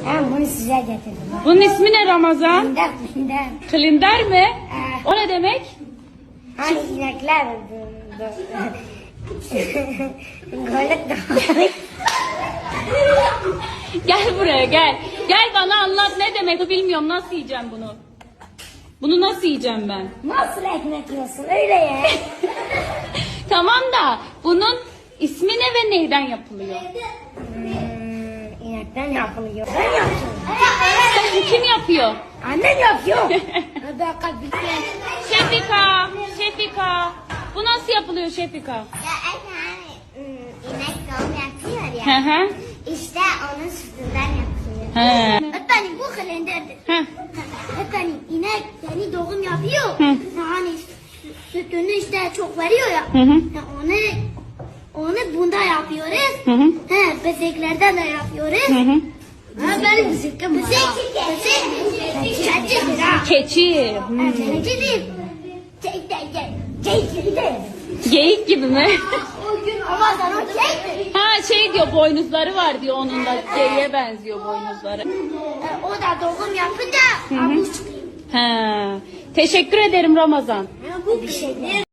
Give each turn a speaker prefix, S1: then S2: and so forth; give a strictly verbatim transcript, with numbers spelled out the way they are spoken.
S1: Ben bunu size getirdim.
S2: Bunun ismi ne Ramazan?
S1: Binder binder.
S2: Kalender mi?
S1: Evet.
S2: O ne demek?
S1: Hani inekler. Golük de.
S2: Gel buraya gel. Gel bana anlat ne demek bilmiyorum. Nasıl yiyeceğim bunu? Bunu nasıl yiyeceğim ben?
S1: Nasıl ekmek yiyorsun öyle ya?
S2: Tamam da bunun ismi ne ve neyden yapılıyor?
S1: Hmm, inekten yapılıyor. Ben yapıyorum.
S2: Kim yapıyor?
S1: Annem yapıyor.
S2: Şefika, Şefika. Bu nasıl yapılıyor Şefika?
S3: Ya hani inek doğum yapıyor
S2: Hı
S3: ya.
S2: hı.
S3: İşte onun sütünden yapıyor.
S2: He.
S3: Efendim bu kalenderdir.
S2: Hı.
S3: Efendim inek yeni doğum yapıyor.
S2: Hı.
S3: Hani sü- sütünü işte çok veriyor ya.
S2: Hı hı.
S3: Ya onu onu bunda yapıyoruz.
S2: Hı hı.
S3: He, bezeklerden de yapıyoruz.
S2: Hı hı.
S3: Ha benim bezekim var. Bezek, bezek, keçidir ha.
S2: Keçi. Hmm.
S3: Keçidir. Keçidir.
S2: Geyik gibi mi?
S3: O gün ama sen o keçidir.
S2: Ha şey diyor boynuzları var diyor onun da geyiğe benziyor boynuzları.
S3: E, O da doğum yapınca avuç çıkıyor.
S2: He. Teşekkür ederim Ramazan.
S3: Bu bir şey.